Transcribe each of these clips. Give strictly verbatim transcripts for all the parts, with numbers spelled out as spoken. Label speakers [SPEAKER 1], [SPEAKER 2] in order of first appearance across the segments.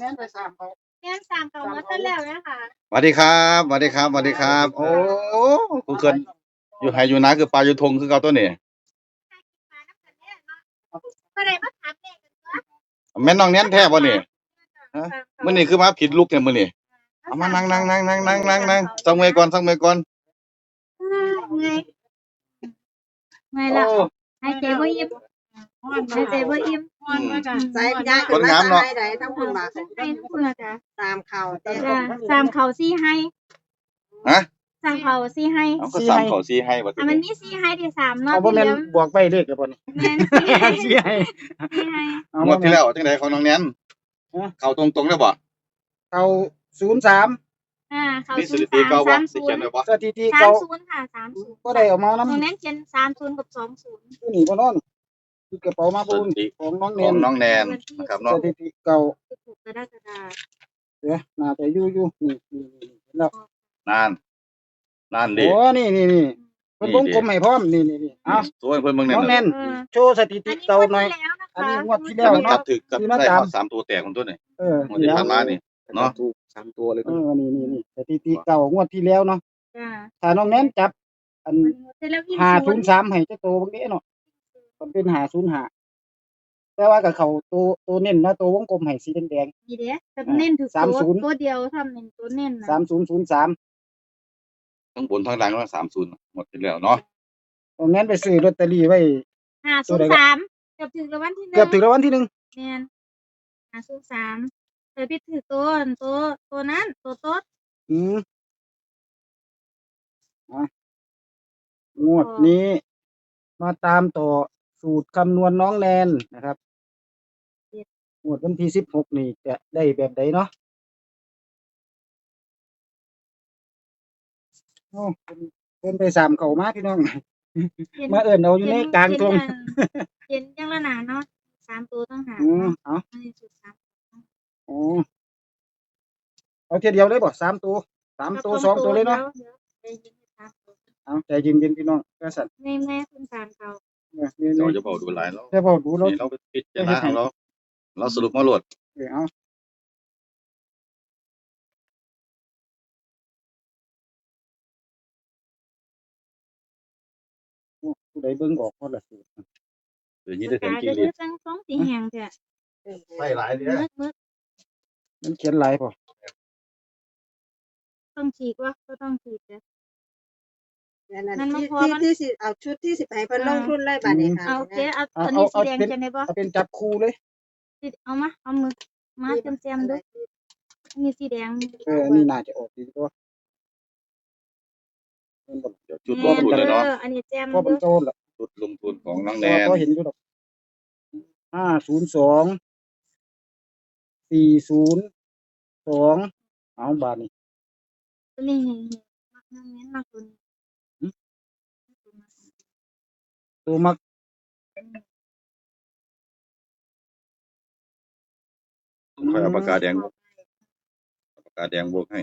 [SPEAKER 1] นไปสามเขา
[SPEAKER 2] แม่นสามเก่ามาตั้งแล้วนะคะ
[SPEAKER 3] สวัสดีครับสวัสดีครับสวัสดีครับโอ้กูเกินอยู่ไห้อยู่นาคือปลาอยู่ทงคือเก่าตัวนี้
[SPEAKER 2] ก็ได้มาถามเด็กกันว่า
[SPEAKER 3] แม่นน้องแน่นแท้บ่นี่ฮะมื้อนี้คือมาผิดลุกเนี่ยมื้อนี้เอามานั่งนั่งนั่งนั่งนั่งนั่งนั่งสังเวยก่อนสังเวยก่อน
[SPEAKER 2] ไงไงล่ะให้เจ๊บ่ยิ้มให้เจ๊บ่ยิ้ม
[SPEAKER 1] ใส่ยาคนงามเนาะใดทั้งคุณมา
[SPEAKER 2] ให้ทุกคนละจ้ะ
[SPEAKER 1] ตามข่าวเต้
[SPEAKER 2] จ้ะสามเขาสี่ให้
[SPEAKER 3] ฮะ
[SPEAKER 2] สามเขาสี่ให้
[SPEAKER 3] เอาก็สามเขาสี่ให้บ่
[SPEAKER 2] อ่ะมันมีสี่ให้ที่สามเนาะ
[SPEAKER 4] เอาบ่
[SPEAKER 2] ที่
[SPEAKER 4] แม่น
[SPEAKER 2] เดียว
[SPEAKER 4] บวกไปเลขแล้วบ่นี่
[SPEAKER 2] แม่นสี่ให้
[SPEAKER 4] สิให้
[SPEAKER 2] สี่ให้
[SPEAKER 4] เอา
[SPEAKER 3] งวดที่แล้วจังได๋ของน้องแน่นเข้าตรงๆแล้วบ่
[SPEAKER 4] เอาศูนย์สาม
[SPEAKER 2] อ่าเขา
[SPEAKER 3] มีส
[SPEAKER 2] ศูน
[SPEAKER 3] ถิ
[SPEAKER 2] ย์
[SPEAKER 3] ติ
[SPEAKER 2] สาม
[SPEAKER 3] เก่าบ่
[SPEAKER 2] สาม
[SPEAKER 3] สิ
[SPEAKER 2] ศู
[SPEAKER 3] เขีย
[SPEAKER 2] น
[SPEAKER 3] น
[SPEAKER 2] ย์
[SPEAKER 3] ไว้บ่
[SPEAKER 4] สถิติ
[SPEAKER 2] สาม
[SPEAKER 4] เก่า
[SPEAKER 2] ศูนย์ค่ะสามศูนย์
[SPEAKER 4] ก็ได้เอามา
[SPEAKER 2] ตรง
[SPEAKER 4] นำ
[SPEAKER 2] นั้นเขียนสามศูนย์กับสองศูนย์
[SPEAKER 4] อยู่นี่บ่นอนคือกระเป๋ามา
[SPEAKER 3] ส
[SPEAKER 4] บุญ
[SPEAKER 3] ถิติ
[SPEAKER 4] ของน้อง
[SPEAKER 3] ข
[SPEAKER 4] แน
[SPEAKER 3] อง
[SPEAKER 4] น
[SPEAKER 3] น้องแนนนะครับ
[SPEAKER 4] ส
[SPEAKER 3] เนาะ
[SPEAKER 4] ถิติเก่า
[SPEAKER 2] สิบหกกรกฎาคม
[SPEAKER 4] เดี๋ยวน่าจะอยู่อยู่นี่นี่นี่เห็นแล้ว
[SPEAKER 3] นานนานดิ
[SPEAKER 4] โอ้นี่นี่นี่เพิ่นวงกลมให้พร้อมนี่นี่นี่เอา
[SPEAKER 3] สวยเพิ่นเบิ่งแน่
[SPEAKER 4] น้องแนน
[SPEAKER 2] เออ
[SPEAKER 4] โชว์สถิติ
[SPEAKER 2] อันนี้
[SPEAKER 4] เก่าง
[SPEAKER 2] วด
[SPEAKER 4] หน่อย
[SPEAKER 2] ที่แล้วนะคะ
[SPEAKER 4] อันนี้งวดที่
[SPEAKER 3] แล้
[SPEAKER 4] แล้ว ว
[SPEAKER 3] มันจับถึกกับ
[SPEAKER 4] ที่มา
[SPEAKER 3] ได้
[SPEAKER 4] ตาม
[SPEAKER 3] ฮอดสามตัวแตกของตัวนี่
[SPEAKER 4] เออง
[SPEAKER 3] วดที่ผ่านมานี่เนาะ
[SPEAKER 5] ถูกสามตัวเลย
[SPEAKER 4] เออนี่นี่นี่สถิติเก่างวดที่แล้วเนาะ
[SPEAKER 2] จ้ะ
[SPEAKER 4] ถ้าน้องแนนจับอัน
[SPEAKER 2] มันเสร็จแล้ววิ่ง
[SPEAKER 4] ห้า
[SPEAKER 2] ศู
[SPEAKER 4] ศู
[SPEAKER 2] น
[SPEAKER 4] น
[SPEAKER 2] ย์
[SPEAKER 4] ย์สามให้เจ้าโตบางเด้เนาะมันเป็นห้าศูนย์ห้าแต่ว่ากับเขาตัวตัวเน้นนะตัววงกลมให้สีแดง
[SPEAKER 2] ดีเด้แต่เน้นถือ
[SPEAKER 4] สาม
[SPEAKER 2] ตัว
[SPEAKER 4] ศูนย์
[SPEAKER 2] ตัวเดียวทำเน้นตัวเน้น
[SPEAKER 4] ๆ
[SPEAKER 2] นะ
[SPEAKER 4] สามศูนย์ศูนย์สาม
[SPEAKER 3] ทั้งบนทั้งล่างก็สามศูนย์หมดไปแล้วเนาะ
[SPEAKER 4] ตรงนั้นไปซื้อลอตเตอรี่ไว้
[SPEAKER 2] ห้าศูนย์สามเกือบถึงรางวัลที่หนึ่ง
[SPEAKER 4] เกือบถึงรางวัลที่หนึ่ง
[SPEAKER 2] แมนห้าศูนย์สามเคยพี่ถือตัวตัวตัวนั้นตัวโต๊ด
[SPEAKER 4] อืมอ่ะงวดนี้ มาตามต่อสูตรคำนวณน้องแนนนะครับงวดวันที่สิบหกนี่จะได้แบบใดเนาะโอ้เพิ่นเพิ่นไปสามเขามาพี่น้อง มาเอิ้นเอาอยู่ในกลางทง
[SPEAKER 2] เห็นยังละหนาเนาะสามตัวต้องหา
[SPEAKER 4] อืม
[SPEAKER 2] เนาะ
[SPEAKER 4] เอา
[SPEAKER 2] อันนี้สุดสาม
[SPEAKER 4] อ๋อเอาเทียเดียวเลยบ่สามตัวสามตัวสองตัวเลยเนาะ
[SPEAKER 2] ดี๋วดี๋ยวใจเย็นๆสามตัว
[SPEAKER 4] เอาใจเย็นๆพี่น้องก็สั่น
[SPEAKER 2] แม่แม่คุณสามเขา
[SPEAKER 4] เนี่ยนี่
[SPEAKER 3] เรา
[SPEAKER 4] นี่
[SPEAKER 3] จะบอกดูหลายแล้ว
[SPEAKER 4] จะบอกดูแล้ว
[SPEAKER 3] นี่เราไปพิจารณาของเราเราสรุปมาโหลด
[SPEAKER 4] เออเอาโอ้ผู้ใดเบิ่งออกพอละสิ
[SPEAKER 3] เดี๋ยวนี้ได้
[SPEAKER 2] ปาก
[SPEAKER 3] เต็ม
[SPEAKER 2] กา
[SPEAKER 3] ที่
[SPEAKER 2] จะ
[SPEAKER 3] เล
[SPEAKER 2] ยื
[SPEAKER 3] ย
[SPEAKER 2] ดจังสองสีแหงเถอะ
[SPEAKER 3] ไม่หลายเด้
[SPEAKER 2] มืดมืด
[SPEAKER 4] มันเขียนหลายพอ
[SPEAKER 2] ต้องฉีกวะก็ต้องฉีกเด้อ
[SPEAKER 1] นั่น
[SPEAKER 2] มันมา
[SPEAKER 1] ที่
[SPEAKER 2] พอมัน
[SPEAKER 1] ที่สิเอาชุดที่สิไปเพิ่นลงทุนเลยบัดนี้ค่ะ
[SPEAKER 2] เอาโอเคเอาตัวนี้สีแดงจะไหนบ่
[SPEAKER 4] เอาเป็นจับคู่เลย
[SPEAKER 2] เอามาเอามือมาเต็มเต็มๆดูนี่สีแดง
[SPEAKER 4] เอออันนี้น่าจะออกดีกว่า
[SPEAKER 3] เดี๋ยวจุดลงทุนเลยเนาะ
[SPEAKER 2] อออันนี้แจม
[SPEAKER 4] เพราะมัน
[SPEAKER 2] ดู
[SPEAKER 4] โจรละ
[SPEAKER 3] จุดลงทุนของน้อง
[SPEAKER 4] พ
[SPEAKER 3] แน
[SPEAKER 4] อน พอเห็นอยู่ดอกห้าศูนย์สองสี่ศูนย์สองเอาบาทนี่
[SPEAKER 2] ตัวนี้มักเน้นมากตัวนี้
[SPEAKER 4] ตัวมัก
[SPEAKER 3] ค่อยเอาปากกาแดงปากกาแดงบวกให้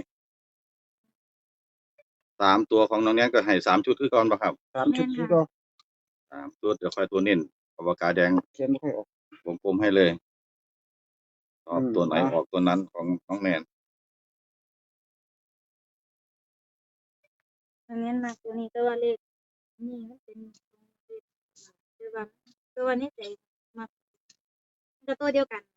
[SPEAKER 3] สามตัวของน้องแนนก็ให้สามชุดคือก่อนป่ะครับ
[SPEAKER 4] สามชุดที่ก็
[SPEAKER 3] สามตัวเดี๋ยวค่อยตัวเน้นเอาปากกาแดง
[SPEAKER 4] เขียนไม่ค่อยออก
[SPEAKER 3] วงกลมให้เลยชอบ
[SPEAKER 4] อืม
[SPEAKER 3] ตัวไหน
[SPEAKER 4] อ่ะ
[SPEAKER 3] ออกตัวนั้นของน้องแนน
[SPEAKER 2] อันนี้มากตัวนี้ตัวเลขนี่มันเป็นคือว่าตัวนี้ใจมากจะตัวเดียวกัน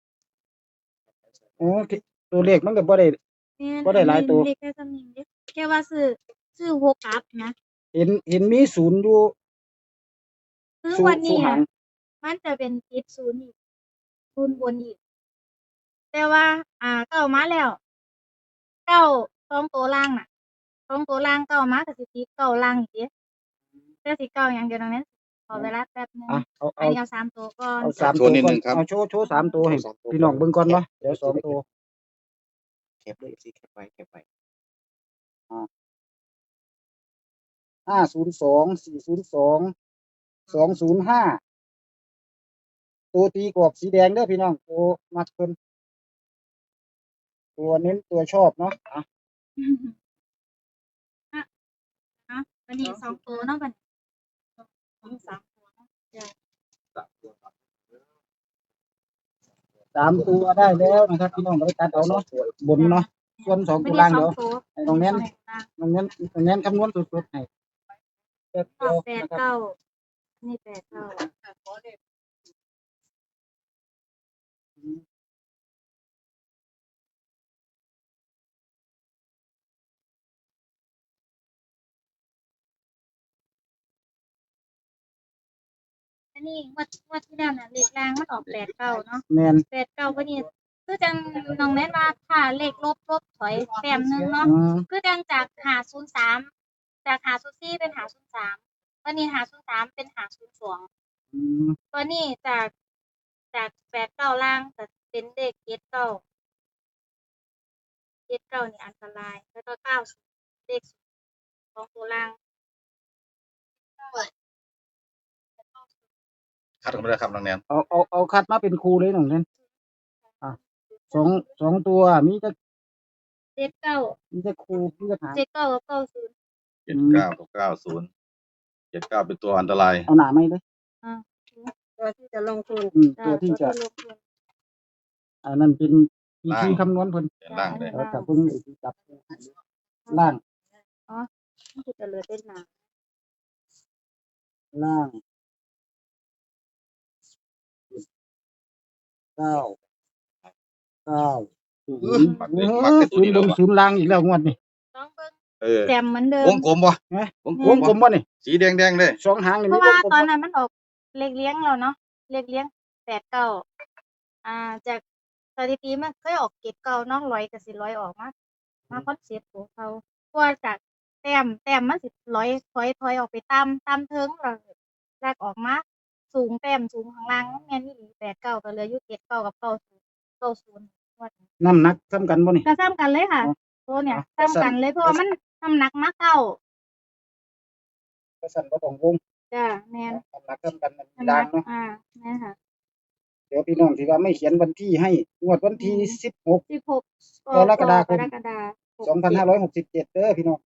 [SPEAKER 4] โอ้ที่ตัวเลขมันก็บ่ได้ บ่ได้หลายตัว
[SPEAKER 2] เลขแค่สำนึงเด้แค่ว่าซื้อซื้อหกกลับนะ
[SPEAKER 4] เห็นเห็นมีศูนย์อยู่
[SPEAKER 2] คือ
[SPEAKER 4] ศู
[SPEAKER 2] วัน
[SPEAKER 4] นย์
[SPEAKER 2] นี้
[SPEAKER 4] หา
[SPEAKER 2] อะ
[SPEAKER 4] ง
[SPEAKER 2] มันจะเป็นติดศูนย์อีกศูนย์บนอีก แต่ว่า อ่าเก้ามาแล้วเก้าสองตัวล่างน่ะสองตัวล่างเก้ามาก็สิติดเก้าล่างอีกเด้แต่สิเก้าอย่างเดียวตรงนั้นขอเวลาแป๊บนึง
[SPEAKER 4] อ่ะเอา
[SPEAKER 2] อัน
[SPEAKER 4] เอา
[SPEAKER 2] นี้เอาสามตัวก่อน
[SPEAKER 4] เอาสามตัวก่อนเอาโชว์โชว์สามตัวให้พี่น้องเบิ่งก่อนเนาะเดี๋ยวสองตัว
[SPEAKER 5] แคปเลยสิแคปไว้แคปไว้
[SPEAKER 4] ห้าศูนย์สองสี่ศูนย์สองสองศูนย์ห้าตัวตีกรอบสีแดงเด้อพี่น้องตัวมักเพิ่นตัวเน้นตัวชอบเนาะอ่ะ
[SPEAKER 2] อ่ะเนาะวันนี้สองตัวเนาะบัดนี้สามตัวเนาะจ้ะ
[SPEAKER 4] ตสามตัวได้แล้วนะครับพี่น้องไปตัดเอาเนาะบนเนาะส่วนสอง
[SPEAKER 2] ไม่
[SPEAKER 4] ตัว
[SPEAKER 2] ได้
[SPEAKER 4] ล่าง
[SPEAKER 2] สอ
[SPEAKER 4] เดี๋
[SPEAKER 2] ง
[SPEAKER 4] ยว
[SPEAKER 2] ตัว
[SPEAKER 4] ให้น้องเน้น
[SPEAKER 2] ล่าง
[SPEAKER 4] น้องเน้นน้องเน้นคำนวณสุดๆให้แป๊บ
[SPEAKER 2] ช
[SPEAKER 4] เดี
[SPEAKER 2] อ
[SPEAKER 4] ยว
[SPEAKER 2] บแปด
[SPEAKER 4] นะครับ
[SPEAKER 2] เก้านี่แปดเก้าอันนี้งวดงวดที่แล้วน่ะเลขล่างมันออกแปดเก้าเนาะ
[SPEAKER 4] แมน
[SPEAKER 2] แปดเก้าก็นี่คือจังน้องแนนว่าถ้าเลขลบลบถอยแต้มหนึงเนาะ
[SPEAKER 4] อืม
[SPEAKER 2] คือจังจากหาศูนย์สามจากหาศูนย์สี่เป็นหาศูนย์สามตอนนี้หาศูนย์สามเป็นหาศูนย์สอง
[SPEAKER 4] อืม
[SPEAKER 2] ตอนนี้จากจากแปดเก้าล่างแต่เป็นเลขเจ็ดเก้าเจ็ดเก้านี่อันตรายแล้วก็เก้าเลขสองตัวล่าง
[SPEAKER 3] คัดออกมาเลยครับน้องแนน
[SPEAKER 4] เอาเอาเอาคัดมาเป็นครูเลยน้องเน้นอ่ะสองสองตัวมีจะ
[SPEAKER 2] เจ็ดเก้า
[SPEAKER 4] มีจะครูมีจะหาง
[SPEAKER 2] เจ็ดเก้ากับเก้าศูนย์
[SPEAKER 3] เจ็ดเก้ากับเก้าศูนย์เจ็ดเก้าเป็นตัวอันตราย
[SPEAKER 4] เอาหนาไหมเลย
[SPEAKER 2] อ่า
[SPEAKER 1] ตัวที่จะลงทุน
[SPEAKER 4] อืมตัวที่จะ
[SPEAKER 2] ลงทุน
[SPEAKER 4] อันนั้นเป็นวิธีคำนวณเพิ่น
[SPEAKER 3] เขียนล่างเลย
[SPEAKER 4] แล้วแต่เพิ่งจับล่าง
[SPEAKER 2] มันคือจะเหลือเป็นหนา
[SPEAKER 4] ล่างเก้าเก้าศูนย์
[SPEAKER 3] มัก
[SPEAKER 4] เอ
[SPEAKER 3] เล็กมัก
[SPEAKER 4] อ
[SPEAKER 3] เป็นตัว
[SPEAKER 4] ศูน
[SPEAKER 3] นี้
[SPEAKER 4] ย์บ
[SPEAKER 3] แล้ว
[SPEAKER 4] น
[SPEAKER 3] วะ
[SPEAKER 4] ศูนย์ล่างอีกแล้วงวดนี่
[SPEAKER 2] ต้องเบิ่ง
[SPEAKER 3] เออ
[SPEAKER 2] แจมเหมือนเดิ
[SPEAKER 3] ว
[SPEAKER 2] ม
[SPEAKER 3] งกลมบ่
[SPEAKER 4] นะ
[SPEAKER 3] วงก
[SPEAKER 4] ว
[SPEAKER 3] ลม
[SPEAKER 4] งกล
[SPEAKER 3] บ่
[SPEAKER 4] มบ่นี่
[SPEAKER 3] สีแดงแดงๆเลย
[SPEAKER 4] สองหางนี่
[SPEAKER 2] เพ
[SPEAKER 4] มี
[SPEAKER 2] ราะ
[SPEAKER 4] ว
[SPEAKER 2] ว่าง
[SPEAKER 4] กลม
[SPEAKER 2] ตอน
[SPEAKER 4] บ่
[SPEAKER 2] นั้นมันออกเลขเลี้ยงเราเนาะเลขเลี้ยงแปดเก้าอ่าจากสถิติมันเคยออกเก็ดเก้าเนาะร้อยกับสิร้อยออกมามาคอนเซ็ปต์ของเขาเพราะว่าจากแต้มแต้มมันสิร้อยถอยถอยออกไปตามตามเทิงเราลากออกมาสูงแต้มสูงข้างล่างแม่นอี่แปดเก้าก็เหลืออยู่เจ็ดเก้ากับเก้าศูนย์เก้าศูนย์ว่า
[SPEAKER 4] น้ำหนักซ้ำกันบ่นี่
[SPEAKER 2] ก็ซ้ำกันเลยค่ะ
[SPEAKER 4] อ๋อ
[SPEAKER 2] ตัวเนี่ย
[SPEAKER 4] อ๋อ
[SPEAKER 2] ซ้ำกันเลยเพราะว่ามันน้ำหนักมาเก้า
[SPEAKER 4] ก็สั่นบ่ต้องวง
[SPEAKER 2] จ้าแม่น
[SPEAKER 4] น้ำหนักซ้ำกันมันมี
[SPEAKER 2] น้ำห
[SPEAKER 4] ล่า
[SPEAKER 2] นั
[SPEAKER 4] ง
[SPEAKER 2] ก
[SPEAKER 4] เนาะ
[SPEAKER 2] อ่าแม่นค่ะ
[SPEAKER 4] เดี๋ยวพี่น้องที่ว่าไม่เขียนวันที่ให้งวดวันที่สิบหก
[SPEAKER 2] สิบหก
[SPEAKER 4] กรกฎาคม
[SPEAKER 2] กรกฎาคม
[SPEAKER 4] สองพันห้าร้อยหกสิบเจ็ดเด้อพี่น้อง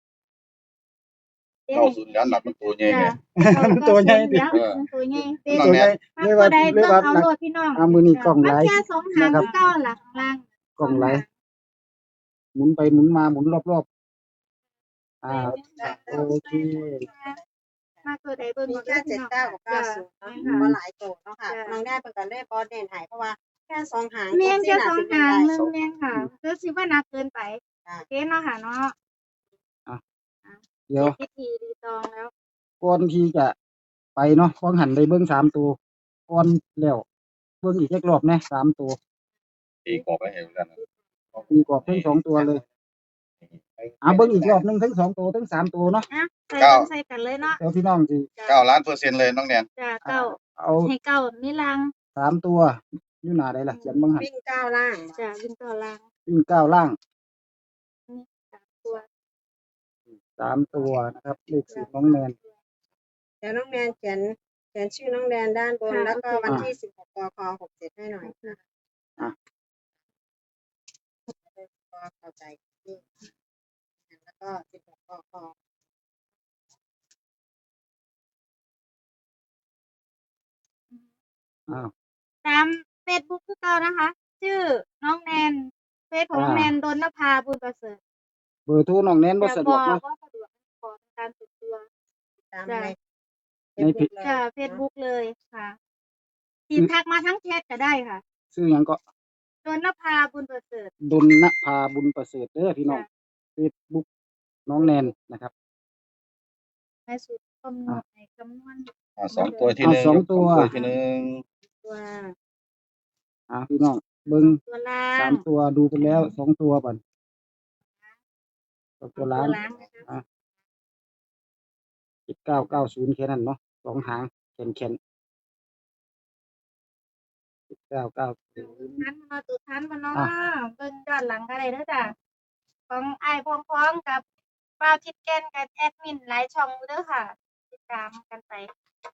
[SPEAKER 2] เอ๊ะ
[SPEAKER 3] เก้าศูนย์ยันหลักมันตัวใหญ่
[SPEAKER 2] จ้า
[SPEAKER 3] เนี่ย
[SPEAKER 4] มันตัวใหญ่ดิ
[SPEAKER 2] เดี๋ยวมันตัวใหญ่เด็ก
[SPEAKER 3] น้อง
[SPEAKER 4] ตัว
[SPEAKER 3] แน
[SPEAKER 4] ใหญ่
[SPEAKER 3] น
[SPEAKER 4] เลยว่า
[SPEAKER 2] ใด
[SPEAKER 4] เลย
[SPEAKER 2] เบิ่ง
[SPEAKER 4] ว่า
[SPEAKER 2] เอา
[SPEAKER 4] หนัก
[SPEAKER 2] โลดพี่น้อง
[SPEAKER 4] อ่ามือนี้กล่อง
[SPEAKER 2] มัน
[SPEAKER 4] ไหล
[SPEAKER 2] แค่สองหาง
[SPEAKER 4] นะครับ
[SPEAKER 2] เก้าหลักล่าง
[SPEAKER 4] กล่องไหลหมุนไปหมุนมาหมุนรอบๆอ่าโอเค
[SPEAKER 2] มาตัวใดเบิ่ง
[SPEAKER 1] มี
[SPEAKER 2] เอา
[SPEAKER 1] แค่
[SPEAKER 2] ด้อ
[SPEAKER 1] เจ็
[SPEAKER 2] พี่
[SPEAKER 1] ด
[SPEAKER 2] น้อง
[SPEAKER 1] เก้ากับเก้าศูนย์เนาะ
[SPEAKER 2] จ้ะ
[SPEAKER 1] ว่าหลายตัวเนาะค่ะน้องได้เป็นกันเลยบอสเด่นหายเพราะว่าแค่สองหาง
[SPEAKER 2] แม่นแค่สอง
[SPEAKER 1] สิบ
[SPEAKER 2] หาง
[SPEAKER 1] ได้
[SPEAKER 2] หนึงแม่นค่ะคือสิว่าหนักเกินไป
[SPEAKER 1] จ้ะ
[SPEAKER 2] โอเคเนาะค่ะเนาะ
[SPEAKER 4] เดี๋ยว
[SPEAKER 2] พิธีรีตองแล้ว
[SPEAKER 4] ก่อนที่จะไปเนาะฟังหันได้เบิ้งสามตัวก่อนแล้วเบิ้งอีกจักรอบนะสามตัว
[SPEAKER 3] ตีกรอบไว้ให้เหมือนกันนะ
[SPEAKER 4] มีกรอบทั้งสองตัวเลยอ่าเบิ้งอีกรอบหนึงทั้งสองตัวทั้งสามตัวเนาะ
[SPEAKER 2] อ่ะใส่กันใส่กันเลยเนาะ
[SPEAKER 4] เดี๋ยวพี่น้องสิ
[SPEAKER 3] เก้าล้านเปอร์เซ็นต์เลยน้องแนน
[SPEAKER 2] จ้าเก้า
[SPEAKER 4] เอา
[SPEAKER 2] ให้เก้านี่ลัง
[SPEAKER 4] สามตัวอยู่หน้าได้ล่ะเขียนเบิ้งหัน
[SPEAKER 1] วิ่งเก้าล่าง
[SPEAKER 2] จ้าวิ่งเก้าลัง
[SPEAKER 4] วิ่งเก้าล่าง
[SPEAKER 2] สามตัว
[SPEAKER 4] สามตัวนะครับเลขสูตรน้องแนน
[SPEAKER 1] เดี๋ยวน้องแนนเขียนเขียนชื่อน้องแนนด้านบนแล้วก็วันที่สิบหกกคหกเจ็ดให้หน่อยนะคะ
[SPEAKER 4] อ่ะ
[SPEAKER 1] ก็เข้าใจนี่แล้วก็สิบหกกค
[SPEAKER 4] อ้าว
[SPEAKER 2] ตามเฟซบุ๊กคือเก่านะคะ ชื่อน้องแนนเฟซของน้องแนนดนนภาบุญประเสริฐ
[SPEAKER 4] เบอร์โทรน้องแนนบ่
[SPEAKER 2] แต่
[SPEAKER 4] สะด
[SPEAKER 2] บ
[SPEAKER 4] ว
[SPEAKER 2] อก ก
[SPEAKER 4] เนาะ
[SPEAKER 2] ว่าสะดวกขอเป็นการส่วนตัว
[SPEAKER 1] ตาม
[SPEAKER 2] จ้ะ
[SPEAKER 1] ใน
[SPEAKER 4] ในเพจ
[SPEAKER 1] เลย
[SPEAKER 2] จ้าเฟซบุ๊กเลยค่ะทีมทักมาทั้งแชทก็ได้ค่ะ
[SPEAKER 4] ชื่อหยังก็
[SPEAKER 2] ดนนภาบุญประเสริฐ
[SPEAKER 4] ดลนภาบุญประเสริฐเด้อพี่น้อง
[SPEAKER 2] จ้ะ
[SPEAKER 4] เฟซบุ๊กน้องแนนนะครับ
[SPEAKER 2] ในสูตรคำนวณในคำนวณ
[SPEAKER 3] อ่าสองตัวที่
[SPEAKER 4] เอา
[SPEAKER 3] หนึ่ง
[SPEAKER 4] สองตัว
[SPEAKER 3] สองที่หนึ่ง
[SPEAKER 2] ตัว
[SPEAKER 4] อ่าพี่น้องเบิ้ง
[SPEAKER 2] ตัวล่า
[SPEAKER 4] สาง มตัวดูไปแล้วสองตัวก่อนสองตัวล้าน
[SPEAKER 2] ล้างนะคะ
[SPEAKER 4] เจ็ดเก้าเก้าศูนย์แค่นั้นเนาะสองหางแขนแขนเจ็ดเก้าเก้าศูนย์
[SPEAKER 2] ทันมาตัวทันมาเนาะ
[SPEAKER 4] อ่ะ
[SPEAKER 2] เบิ่งย้อนหลังก็ได้เด้อจ้ะของไอ้ายพ้องๆกับป้าวทิดแกนกับแอดมินหลายช่องอยู่เด้อค่ะ ติดตามกันไป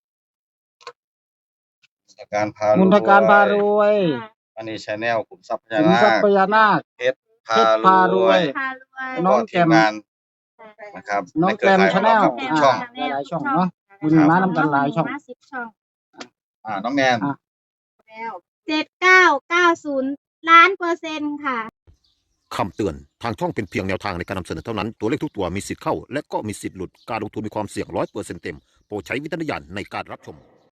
[SPEAKER 3] มุนการพา
[SPEAKER 4] มุนทการพารวย
[SPEAKER 2] อ่า
[SPEAKER 3] อันนี้ชาแนลขุมทรัพย์พญา
[SPEAKER 4] ขุม
[SPEAKER 3] นา
[SPEAKER 4] ทรัพ
[SPEAKER 3] ค
[SPEAKER 4] ย์พญานาค
[SPEAKER 3] เพชรพา
[SPEAKER 4] เพชรพาร
[SPEAKER 3] ร
[SPEAKER 4] ว
[SPEAKER 3] วย ย
[SPEAKER 2] พารวย
[SPEAKER 4] น้องแจ่ม
[SPEAKER 3] ทีงานนะครับ
[SPEAKER 4] น้อง
[SPEAKER 3] ในเครือข่าย
[SPEAKER 4] แกรม
[SPEAKER 3] ของเราครับ
[SPEAKER 4] Channel
[SPEAKER 3] ทุกช่อง
[SPEAKER 4] อ่า หลายๆช่องเนาะ บุญมานำกันหลายช่อง
[SPEAKER 2] มาสิบช่อง
[SPEAKER 3] อ่าน้องแนน
[SPEAKER 4] อ่ะ
[SPEAKER 1] แล้ว
[SPEAKER 2] เจ็ดเก้าเก้าศูนย์ล้านเปอร์เซ็นต์ค่ะ
[SPEAKER 6] คำเตือน ทางช่องเป็นเพียงแนวทางในการนำเสนอเท่านั้น ตัวเลขทุกตัวมีสิทธิ์เข้า และก็มีสิทธิ์หลุด การลงทุนมีความเสี่ยงร้อยเปอร์เซ็นต์เต็ม โปรดใช้วิจารณญาณในการรับชม